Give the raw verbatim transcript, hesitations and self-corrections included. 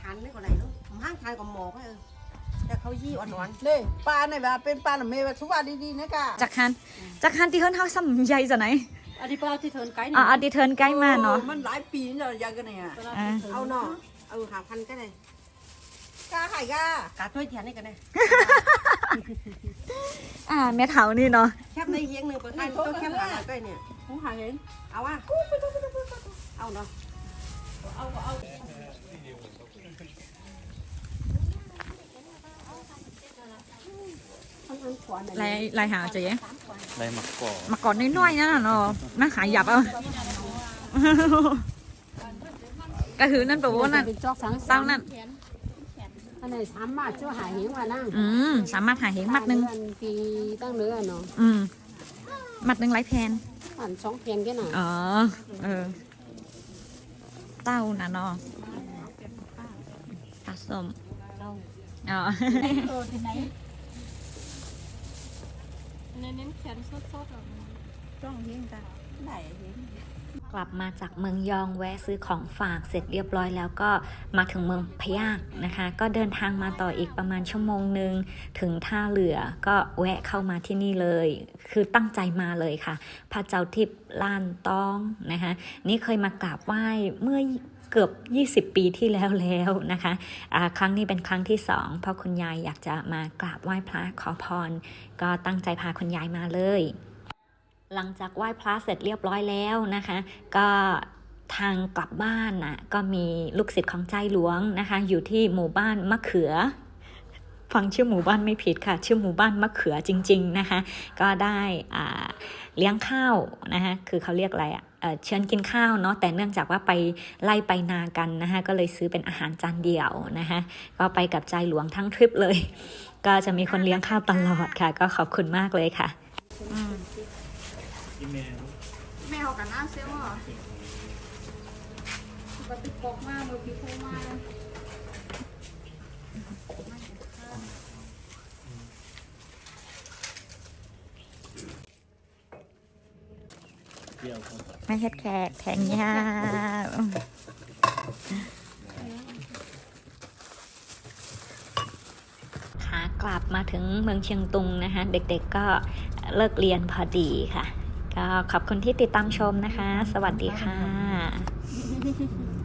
านไม่ก็ไรลูกห้างทานกับหมอกเออแต่เขายี่อ่อนๆเลยปลาไหนแบบเป็นปลาหนุ่มเมย์ทุกวันดีๆนะกะจากคันจากคันที่เฮิรนเฮาซ้ำใหญ่จะไหนอันนี้ปลาที่เทินไกด์อ่านี่อันที่เทิร์นใกล้มาเนาะมันหลายปีแล้วยังกันเนี่ยอ่าเอาเนาะเอาหาพันก็ได้กาไข่กากาถ้วยเทียนนี่กันได้อ่าแม่เฒ่านี่เนาะแคบในเฮียงหนึ่งเปิดให้ต้องแคบหาใกล้เนี่ยหูหาเห็นเอาวะเอาเนาะลายลายหาจะยังได้หมักก่อมาก่อนน้อยๆนั่นน่ะเนาะน่าขายหยับเอาก็คือนั่นแปลว่านั่นเป็นจอกสังเต้านั่นอันไหนสามารถช่วยหาเหียงมานั่งอืมสามารถหาเหงมัดหนึ่งปีตั้งเนื้อเนาะอืมมัดหนึ่งไรแพนอันสองเพียงแค่ไหนอ๋อเออเต้าน่ะเนาะปลาส้มอ๋อ กลับมาจากเมืองยองแวะซื้อของฝากเสร็จเรียบร้อยแล้วก็มาถึงเมืองพะยากนะคะก็เดินทางมาต่ออีกประมาณชั่วโมงหนึ่งถึงท่าเรือก็แวะเข้ามาที่นี่เลยคือตั้งใจมาเลยค่ะพระเจ้าทิพย์ล้านตองนะคะนี่เคยมากราบไหว้เมื่อเกือบยี่สิบปีที่แล้วแล้วนะคะะครั้งนี้เป็นครั้งที่สองเพราะคุณยายอยากจะมากราบไหว้พระขอพรก็ตั้งใจพาคุณยายมาเลยหลังจากไหว้พระเสร็จเรียบร้อยแล้วนะคะก็ทางกลับบ้านน่ะก็มีลูกศิษย์ของใจหลวงนะคะอยู่ที่หมู่บ้านมะเขือฟังชื่อหมู่บ้านไม่ผิดค่ะชื่อหมู่บ้านมะเขือจริงๆนะคะก็ได้อ่าเลี้ยงข้าวนะคะคือเขาเรียกอะไรอ่ะเอ่อเชิญกินข้าวเนาะแต่เนื่องจากว่าไปไล่ไปนากันนะคะก็เลยซื้อเป็นอาหารจานเดียวนะคะก็ไปกับใจหลวงทั้งทริปเลยก็จะมีคนเลี้ยงข้าวตลอดค่ะก็ขอบคุณมากเลยค่ะอีเมลแม่เขากันน้าเซลล์เหรอปฏิปกมากมือพิโคมากเดียวครับไม่เฮ็ดแขกแทงยาขากลับมาถึงเมืองเชียงตุงนะคะเด็กๆก็เลิกเรียนพอดีค่ะก็ขอบคุณที่ติดตามชมนะคะ สวัสดีค่ะ